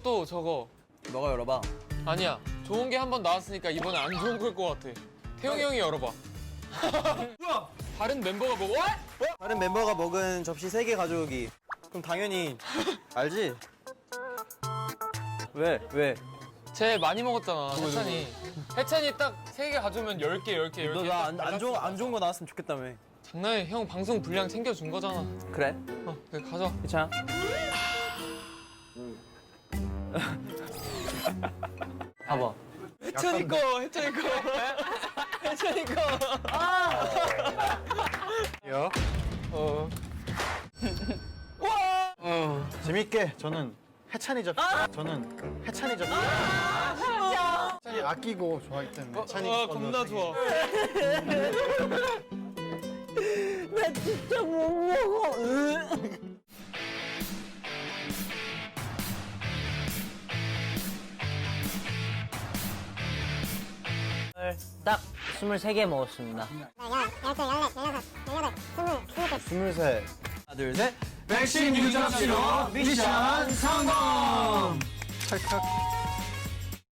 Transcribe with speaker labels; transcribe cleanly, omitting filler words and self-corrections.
Speaker 1: 이것도 저거.
Speaker 2: 너가 열어봐.
Speaker 1: 아니야. 좋은 게 한 번 나왔으니까 이번에 안 좋은 걸 것 같아. 태용이 형이 열어봐.
Speaker 3: 뭐야?
Speaker 1: 다른 멤버가 먹어.
Speaker 2: 다른 멤버가 먹은 접시 3개 가져오기. 그럼 당연히 알지? 왜? 왜?
Speaker 1: 쟤 많이 먹었잖아. 해찬이. 해찬이 딱 3개 가져오면 10개, 10개, 10개.
Speaker 2: 너 나 안 좋은 거 나왔으면 좋겠다며.
Speaker 1: 장난해. 형 방송 분량 챙겨준 거잖아.
Speaker 2: 그래?
Speaker 1: 그래, 가져.
Speaker 2: 괜찮아? 봐봐.
Speaker 1: 해찬이 거, 해찬이 거. 해찬이 거.
Speaker 2: 야.
Speaker 3: 재밌게 저는 해찬이 접시. 저는 해찬이 접시. 해찬이 아끼고 좋아하기 때문에 해찬이
Speaker 1: 와,
Speaker 3: 걸로
Speaker 1: 겁나
Speaker 3: 되게-
Speaker 1: 좋아.
Speaker 2: 나 진짜 못 먹어.
Speaker 4: 딱 23개 먹었습니다.
Speaker 3: 23.
Speaker 2: 하나, 둘, 셋.
Speaker 3: 백신 유접시로 미션 성공. 찰칵.